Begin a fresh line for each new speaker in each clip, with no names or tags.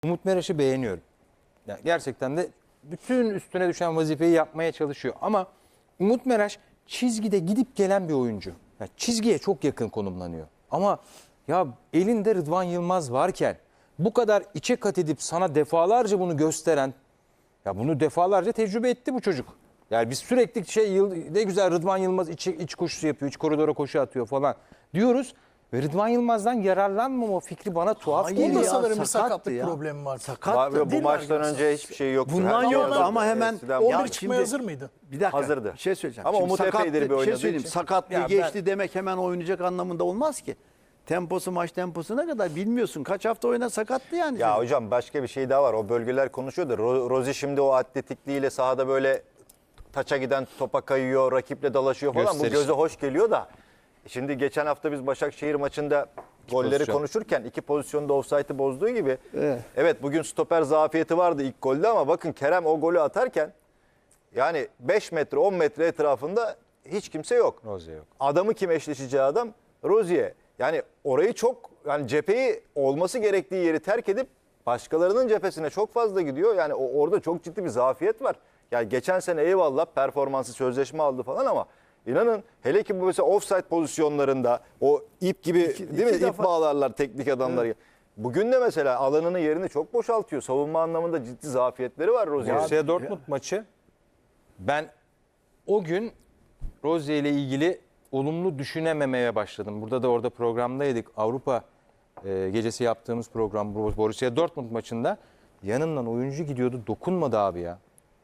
Umut Meraş'ı beğeniyorum. Yani gerçekten de bütün üstüne düşen vazifeyi yapmaya çalışıyor. Ama Umut Meraş çizgide gidip gelen bir oyuncu. Yani çizgiye çok yakın konumlanıyor. Ama ya elinde Rıdvan Yılmaz varken bu kadar içe kat edip sana defalarca bunu gösteren, ya bunu defalarca tecrübe etti bu çocuk. Yani biz sürekli ne güzel Rıdvan Yılmaz iç koşusu yapıyor, iç koridora koşu atıyor falan diyoruz. Ve Rıdvan Yılmaz'dan yararlanmama fikri bana tuhaf
Hayır
geliyor.
ya,
Bunda sanırım bir
sakattı
sakatlık
ya.
problemi var.
Sakattı.
Bu maçtan önce hiçbir şey yoktu.
Bundan
Her şey
yoktu
hazırdı.
ama hemen
Eskiden
11
Ya
çıkmaya
şimdi-
hazır mıydı?
Bir dakika.
Hazırdı.
Bir şey söyleyeceğim.
Ama
Şimdi
Umut epeydir bir
bir şey
oynadığı
söyleyeyim.
için.
Sakatlığı
Ya ben-
geçti demek hemen oynayacak anlamında olmaz ki. Temposu maç temposuna kadar bilmiyorsun. Kaç hafta oyna sakatlı yani.
Ya
çocuk.
hocam başka bir şey daha var. O bölgeler konuşuyor da Rozi şimdi o atletikliğiyle sahada böyle taça giden topa kayıyor, rakiple dalaşıyor falan.
Gösterişli.
Bu göze hoş geliyor da. Şimdi geçen hafta biz Başakşehir maçında golleri
pozisyon.
konuşurken iki pozisyonda ofsaytı bozduğu gibi.
Evet.
Evet bugün stoper zafiyeti vardı ilk golde ama bakın Kerem o golü atarken yani 5 metre 10 metre etrafında hiç kimse yok.
Rozier yok.
Adamı kim eşleşeceği adam? Rozier. Yani orayı çok yani cepheyi olması gerektiği yeri terk edip başkalarının cephesine çok fazla gidiyor. Yani orada çok ciddi bir zafiyet var. Yani geçen sene eyvallah performansı sözleşme aldı falan ama inanın hele ki bu mesela offside pozisyonlarında o ip gibi değil mi?
iki
İp
defa-
bağlarlar teknik adamlar. Evet. Bugün de mesela alanını yerini çok boşaltıyor. Savunma anlamında ciddi zafiyetleri var Rozier'in.
Borussia Dortmund maçı, ben o gün Rozier ile ilgili olumlu düşünememeye başladım. Burada da orada programdaydık. Avrupa gecesi yaptığımız program Borussia Dortmund maçında yanından oyuncu gidiyordu, dokunmadı abi ya.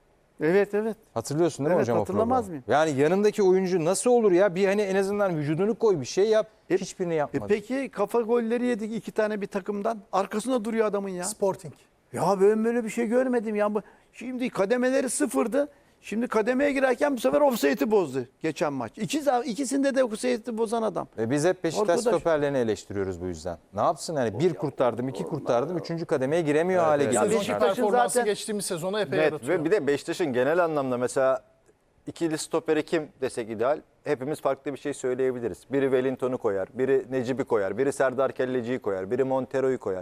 Evet evet.
Hatırlıyorsun değil mi
Evet,
hocam o
hatırlamaz
programı?
mıyım?
Yani yanındaki oyuncu nasıl olur ya? Bir hani en azından vücudunu koy, bir şey yap. Hiçbirini yapmadı.
Peki kafa golleri yedik iki tane bir takımdan. Arkasında duruyor adamın ya.
Sporting.
Ya ben böyle bir şey görmedim ya. Şimdi kademeleri sıfırdı. Şimdi kademeye girerken bu sefer offside'i bozdu geçen maç. İkisinde de offside'i bozan adam.
Ve biz hep Beşiktaş
Arkadaş-
stoperlerini eleştiriyoruz bu yüzden. Ne yapsın yani? Bir kurtardım, iki kurtardım, üçüncü kademeye giremiyor hale
evet.
geliyor.
Ya
Sezonki
Beşiktaş'ın
performansı
zaten-
geçtiğimiz sezona epey
Net
yaratıyor.
ve bir de Beşiktaş'ın genel anlamda mesela ikili stoperi kim desek ideal? Hepimiz farklı bir şey söyleyebiliriz. Biri Wellington'u koyar, biri Necip'i koyar, biri Serdar Kelleci'yi koyar, biri Montero'yu koyar.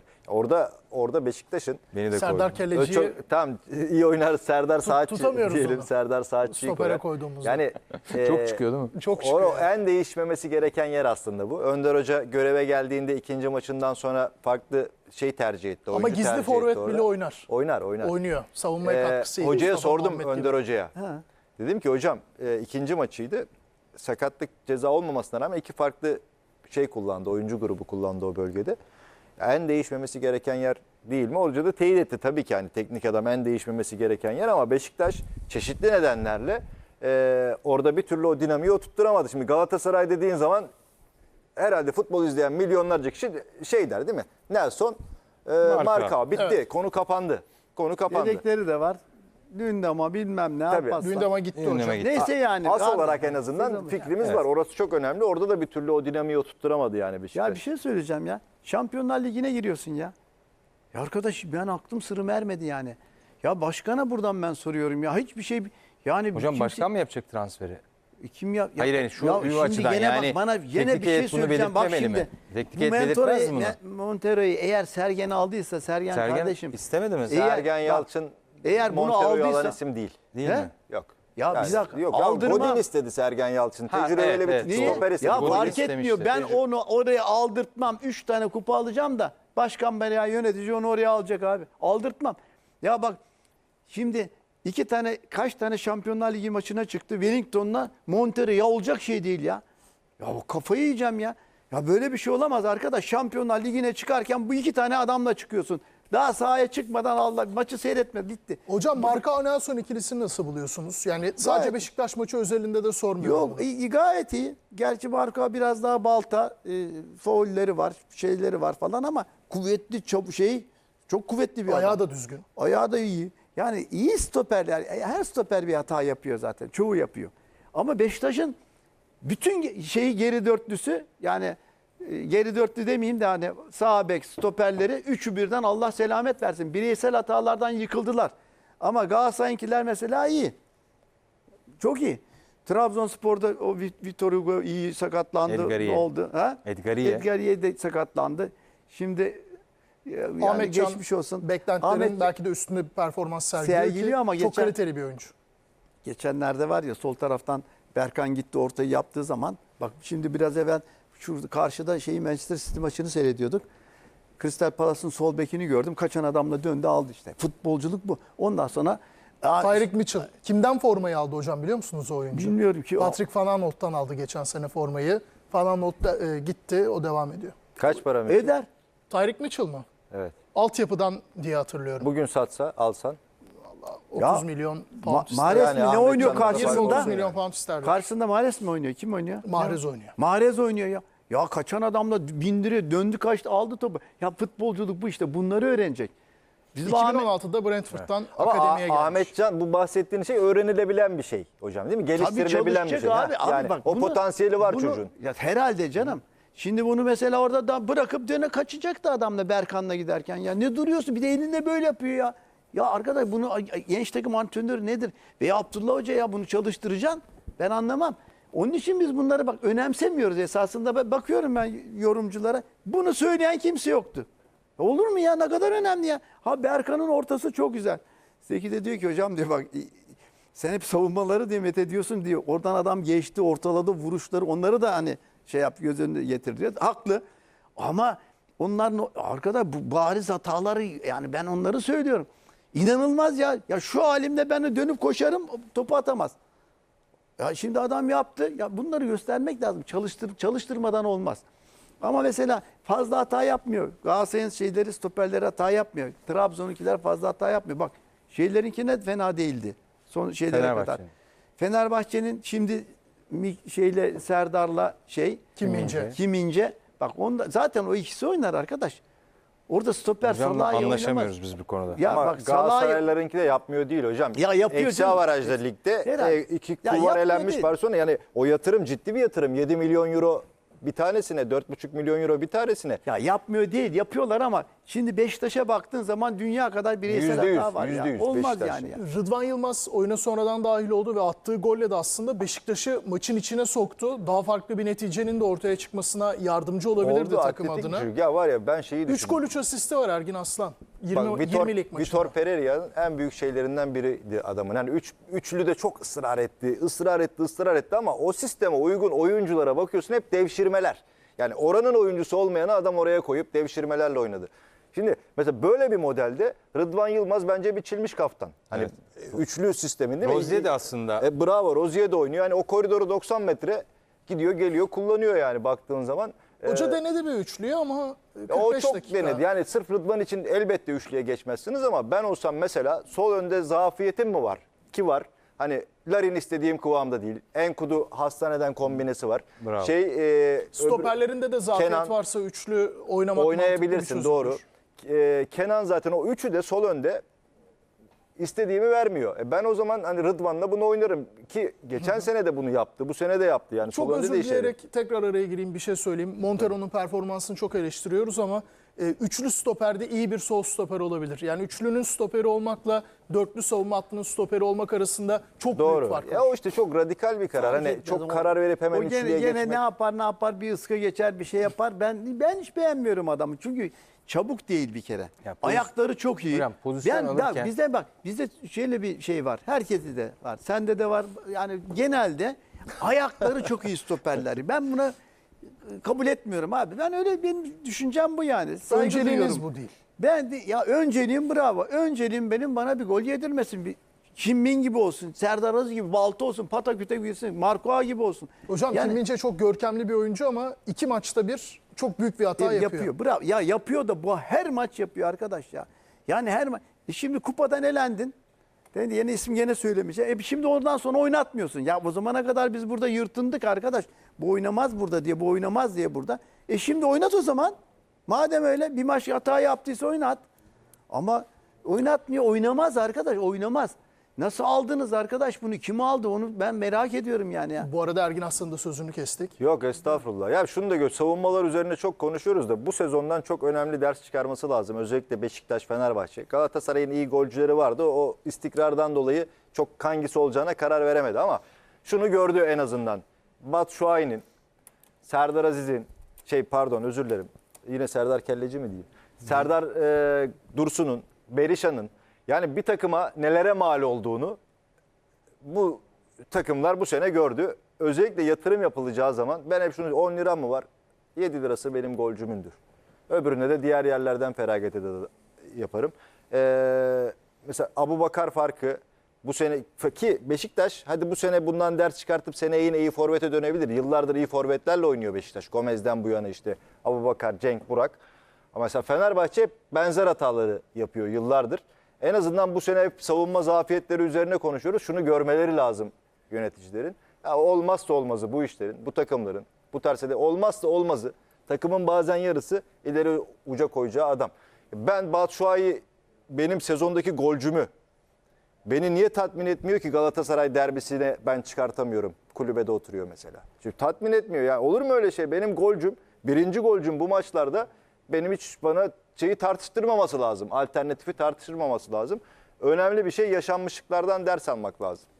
Orada Beşiktaş'ın
Beni de
Serdar
koydum.
Kelleci'yi
tamam iyi oynar Serdar Saatçi
tutamıyoruz
diyelim.
onu.
Serdar Saatçi'yi
Stopere
koyar.
koyduğumuzda.
Yani
Çok çıkıyor değil mi?
çok çıkıyor.
o en değişmemesi gereken yer aslında bu. Önder Hoca göreve geldiğinde ikinci maçından sonra farklı şey tercih etti.
Ama
oyuncu
gizli
tercih
forvet
etti orada.
bile oynar.
Oynar.
Oynuyor. Savunmaya katkısı iyi.
Hocaya
Mustafa
sordum
Muhammed
Önder
gibi.
Hoca'ya.
Ha.
Dedim ki hocam ikinci maçıydı. Sakatlık ceza olmamasına rağmen iki farklı şey kullandı. Oyuncu grubu kullandı o bölgede. En değişmemesi gereken yer değil mi? Hoca da teyit etti tabii ki yani teknik adam en değişmemesi gereken yer ama Beşiktaş çeşitli nedenlerle orada bir türlü o dinamiği oturtturamadı. Şimdi Galatasaray dediğin zaman herhalde futbol izleyen milyonlarca kişi şey der değil mi? Nelson, Marka bitti.
Evet.
Konu kapandı. Konu kapandı.
Yedekleri de var. Dün de ama bilmem ne
Tabii.
yapmazsa.
Dün de ama gitti
Gündeme
hocam.
gitti.
Neyse yani.
As
Abi,
olarak en azından
sezonu-
fikrimiz
Evet.
var. Orası çok önemli. Orada da bir türlü o dinamiği oturtturamadı yani Beşiktaş.
Ya bir şey söyleyeceğim ya. Şampiyonlar Ligi'ne giriyorsun ya. Ya arkadaş ben aklım sırrım ermedi yani. Ya başkana buradan ben soruyorum ya. Hiçbir şey yani
Hocam
kimse-
başkan mı yapacak transferi?
kim ya?
Hayır, yani şu
şimdi
açıdan
gene
yani
bak bana gene
teknik
bir şey
heyet bunu
söyleyeceğim. Bak
belirtmemeli
şimdi.
mi? Teknik heyet belirtmez mi
Montero'yu eğer Sergen aldıysa Sergen kardeşim.
istemedi mi?
Sergen
bak,
Yalçın
eğer bunu
Montero'yu
aldıysa-
alan isim değil.
Değil
He?
mi?
Yok.
Ya bir dakika,
Yok.
aldırma-
Godin istedi Sergen Yalçın.
Ha,
Tecrübeli
evet, evet.
bir
Niye?
stoper istedi.
Ya
Godin
fark
istemişti.
etmiyor. Ben
Tecrübe.
onu oraya aldırtmam. 3 tane kupa alacağım da başkan veya yönetici onu oraya alacak abi. Aldırtmam. Ya bak şimdi kaç tane Şampiyonlar Ligi maçına çıktı. Wellington'la Montero ya olacak şey değil ya. Ya o kafayı yiyeceğim ya. Ya böyle bir şey olamaz arkadaş. Şampiyonlar Ligi'ne çıkarken bu iki tane adamla çıkıyorsun. Daha sahaya çıkmadan Allah maçı seyretme bitti.
Hocam Marka Nelson ikilisini nasıl buluyorsunuz? Yani sadece
Gayet-
Beşiktaş maçı özelinde de sormuyorum.
Yok gayet iyi. Gerçi Marka biraz daha balta, faulleri var, şeyleri var falan ama kuvvetli çok kuvvetli bir
Ayağı
adam.
da düzgün.
Ayağı da iyi. Yani iyi stoperler, her stoper bir hata yapıyor zaten. Çoğu yapıyor. Ama Beşiktaş'ın bütün şeyi geri dörtlüsü yani geri dörtlü demeyeyim de hani sağ bek stoperleri üçü birden Allah selamet versin. Bireysel hatalardan yıkıldılar. Ama Galatasaray'ınkiler mesela iyi. Çok iyi. Trabzonspor'da o Vitor Hugo iyi sakatlandı.
Edgariye.
Ne oldu? Ha?
Edgariye.
Edgariye de sakatlandı. Şimdi Yani
Ahmet Can
geçmiş olsun.
beklentilerin
Ahmet
belki de üstünde bir performans sergiliyor
sergiliyor ama
çok
geçen-
kaliteli bir oyuncu.
geçenlerde var ya sol taraftan Berkan gitti ortayı yaptığı zaman bak şimdi biraz evvel şurada karşıda Manchester City maçını seyrediyorduk. Crystal Palace'ın sol bekini gördüm. Kaçan adamla döndü aldı işte. Futbolculuk bu. Ondan sonra
Tyreek Mitchell. Kimden formayı aldı hocam biliyor musunuz o oyuncu?
bilmiyorum ki.
Patrick Van Aanholt'tan aldı geçen sene formayı. Van Aanholt da, gitti, o devam ediyor.
Kaç para mı?
Eder.
Tyreek Mitchell mı?
Evet.
Altyapıdan diye hatırlıyorum.
Bugün satsa, alsan.
30
Ya,
milyon pound isterdi.
Mahrez
Yani
mi ne
Ahmet
oynuyor
Can'ın kafası
20-30
karşısında?
milyon pound isterdi.
Karşısında Mahrez mi oynuyor? Kim oynuyor?
Mahrez oynuyor.
Mahrez oynuyor ya. Ya kaçan adamla bindiriyor. Döndü kaçtı aldı topu. Ya futbolculuk bu işte. Bunları öğrenecek. Bizim Ahmet,
2016'da Brentford'dan
Ama
akademiye gelmiş.
Ahmetcan bu bahsettiğin şey öğrenilebilen bir şey hocam değil mi?
tabii
Geliştirilebilen bir
çalışacak
şey.
abi.
Ha,
Abi
yani
bak
o potansiyeli var çocuğun.
Ya herhalde canım. Şimdi bunu mesela orada da bırakıp döne kaçacaktı adamla Berkan'la giderken. Ya ne duruyorsun? Bir de elinde böyle yapıyor ya. Ya arkadaş bunu genç takım antrenörü nedir? Veya Abdullah Hoca ya bunu çalıştıracaksın. Ben anlamam. Onun için biz bunları bak önemsemiyoruz esasında. Ben bakıyorum ben yorumculara. Bunu söyleyen kimse yoktu. Olur mu ya? Ne kadar önemli ya. Ha Berkan'ın ortası çok güzel. Zeki de diyor ki hocam diyor bak sen hep savunmaları diye met ediyorsun diyor. Oradan adam geçti, ortaladı vuruşları. Onları da hani şey yap göz önüne getir diyor. Haklı. Ama onların arkada bu bariz hataları yani ben onları söylüyorum. İnanılmaz ya. Ya şu halimde ben de dönüp koşarım topu atamaz. Ya şimdi adam yaptı. Ya bunları göstermek lazım. Çalıştırmadan olmaz. Ama mesela fazla hata yapmıyor. Galatasaray'ın stoperleri hata yapmıyor. Trabzon'unkiler fazla hata yapmıyor. Bak şeylerinki ne fena değildi. Son şeylere kadar.
Fenerbahçe'nin.
Fenerbahçe'nin şimdi Serdar'la Kim İnce. Bak onda zaten o ikisi oynar arkadaş. Orada stoper
Hocamla
Salah'ı oynamaz.
anlaşamıyoruz biz bu konuda.
Ya
Ama
bak Salah'ı
Galatasaraylarınki de yapmıyor değil hocam.
Ya yapıyor
Eksi
canım.
avarajda ligde
Herhalde.
iki
Ya
kulvar
yapmıyor
elenmiş
değil.
Barcelona. Yani o yatırım ciddi bir yatırım. 7 milyon euro bir tanesine, 4,5 milyon euro bir tanesine.
ya yapmıyor değil yapıyorlar ama şimdi Beşiktaş'a baktığın zaman dünya kadar bireysel
%100,
hata var ya.
%100
Olmaz
Beşiktaş.
yani ya.
Rıdvan Yılmaz oyuna sonradan dahil oldu ve attığı golle de aslında Beşiktaş'ı maçın içine soktu. Daha farklı bir neticenin de ortaya çıkmasına yardımcı olabilirdi
Oldu,
takım
atletik
adına.
bir çocuk. Ya var ya ben şeyi
3
düşündüm.
gol 3 asisti var Ergin Aslan.
Bak,
20'lik maçında.
Vitor Pereira'nın en büyük şeylerinden biriydi adamın. Yani üçlü de çok ısrar etti ama o sisteme uygun oyunculara bakıyorsun hep devşirmeler. Yani oranın oyuncusu olmayanı adam oraya koyup devşirmelerle oynadı. Şimdi mesela böyle bir modelde Rıdvan Yılmaz bence biçilmiş kaftan. Hani üçlü sistemin değil mi?
Rozier de aslında.
Bravo, Rozier de oynuyor. Yani o koridoru 90 metre gidiyor geliyor kullanıyor yani baktığın zaman.
Hoca denedi bir üçlüyü ama 45
O çok
dakika.
denedi. Yani sırf Rıdvan için elbette üçlüye geçmezsiniz ama ben olsam mesela sol önde zafiyetim mi var? Ki var. Hani Larin istediğim kıvamda değil. Enkudu hastaneden kombinesi var.
Bravo.
Stoperlerinde de zafiyet
Kenan-
varsa üçlü oynamak
oynayabilirsin
mantıklı bir
doğru.
çözümdür.
Kenan zaten o üçü de sol önde istediğimi vermiyor. Ben o zaman hani Rıdvan'la bunu oynarım ki geçen sene de bunu yaptı. Bu sene de yaptı yani.
Çok
sol önde
özür
de işe yarıyor.
dileyerek tekrar araya gireyim bir şey söyleyeyim. Montero'nun performansını çok eleştiriyoruz ama üçlü stoperde iyi bir sol stoper olabilir. Yani üçlünün stoperi olmakla dörtlü savunma hattının stoperi olmak arasında çok büyük
Doğru.
fark var.
Ya o işte çok radikal bir karar. Hani
etmez
çok
ama
karar verip hemen
o
üçlüye
gene
geçmek.
ne yapar bir ıska geçer bir şey yapar. Ben hiç beğenmiyorum adamı. Çünkü çabuk değil bir kere.
Ya
Ayakları çok iyi.
Hocam, pozisyon alırken-
Bizde şöyle bir şey var. Herkeste de var. Sende de var. Yani genelde ayakları çok iyi stoperler. Ben buna kabul etmiyorum abi. Ben öyle benim düşüncem bu yani. Saygı
Önceliğiniz
duyuyorum.
bu değil.
Ben de, ya önceliğim bravo. Önceliğim benim bana bir gol yedirmesin. Bir Kim Min gibi olsun, Serdar Aziz gibi, Balta olsun, Pataküte girsin, Marco A gibi olsun.
Hocam
Yani-
Kim Min-jae çok görkemli bir oyuncu ama 2 maçta bir çok büyük bir hata yapıyor.
Bravo. Ya yapıyor da bu her maç yapıyor arkadaş ya. Yani her maç. Şimdi kupadan elendin. Ben de yeni isim gene söylemeyeceğim. Şimdi oradan sonra oynatmıyorsun. Ya o zamana kadar biz burada yırtındık arkadaş. Bu oynamaz burada diye, bu oynamaz diye burada. Şimdi oynat o zaman. Madem öyle bir maç hata yaptıysa oynat. Ama oynatmıyor, oynamaz arkadaş, oynamaz. Nasıl aldınız arkadaş bunu? Kim aldı onu ben merak ediyorum yani ya.
Bu arada Ergin Aslan'ın da sözünü kestik.
Yok estağfurullah. Ya şunu da savunmalar üzerine çok konuşuyoruz da bu sezondan çok önemli ders çıkarması lazım. Özellikle Beşiktaş, Fenerbahçe. Galatasaray'ın iyi golcüleri vardı. O istikrardan dolayı çok hangisi olacağına karar veremedi ama şunu gördü en azından. Batshuayi'nin, Serdar Aziz'in, özür dilerim. Yine Serdar Kelleci mi diyeyim? Serdar Dursun'un, Berisha'nın yani bir takıma nelere mal olduğunu bu takımlar bu sene gördü. Özellikle yatırım yapılacağı zaman ben hep şunu 10 lira mı var? 7 lirası benim golcümündür. Öbürüne de diğer yerlerden feragat yaparım. Mesela Abubakar farkı bu sene ki Beşiktaş hadi bu sene bundan ders çıkartıp seneye yine iyi forvete dönebilir. Yıllardır iyi forvetlerle oynuyor Beşiktaş. Gomez'den bu yana işte Abubakar, Cenk, Burak. Ama mesela Fenerbahçe hep benzer hataları yapıyor yıllardır. En azından bu sene hep savunma zafiyetleri üzerine konuşuyoruz. Şunu görmeleri lazım yöneticilerin. Ya olmazsa olmazı bu işlerin, bu takımların, bu tarz olmazsa olmazı takımın bazen yarısı ileri uca koyacağı adam. Ben Batshuayi benim sezondaki golcümü beni niye tatmin etmiyor ki Galatasaray derbisine ben çıkartamıyorum. Kulübede oturuyor mesela. Çünkü tatmin etmiyor. Ya olur mu öyle şey? Benim golcüm, birinci golcüm bu maçlarda benim hiç bana şeyi tartıştırmaması lazım. Alternatifi tartıştırmaması lazım. Önemli bir şey yaşanmışlıklardan ders almak lazım.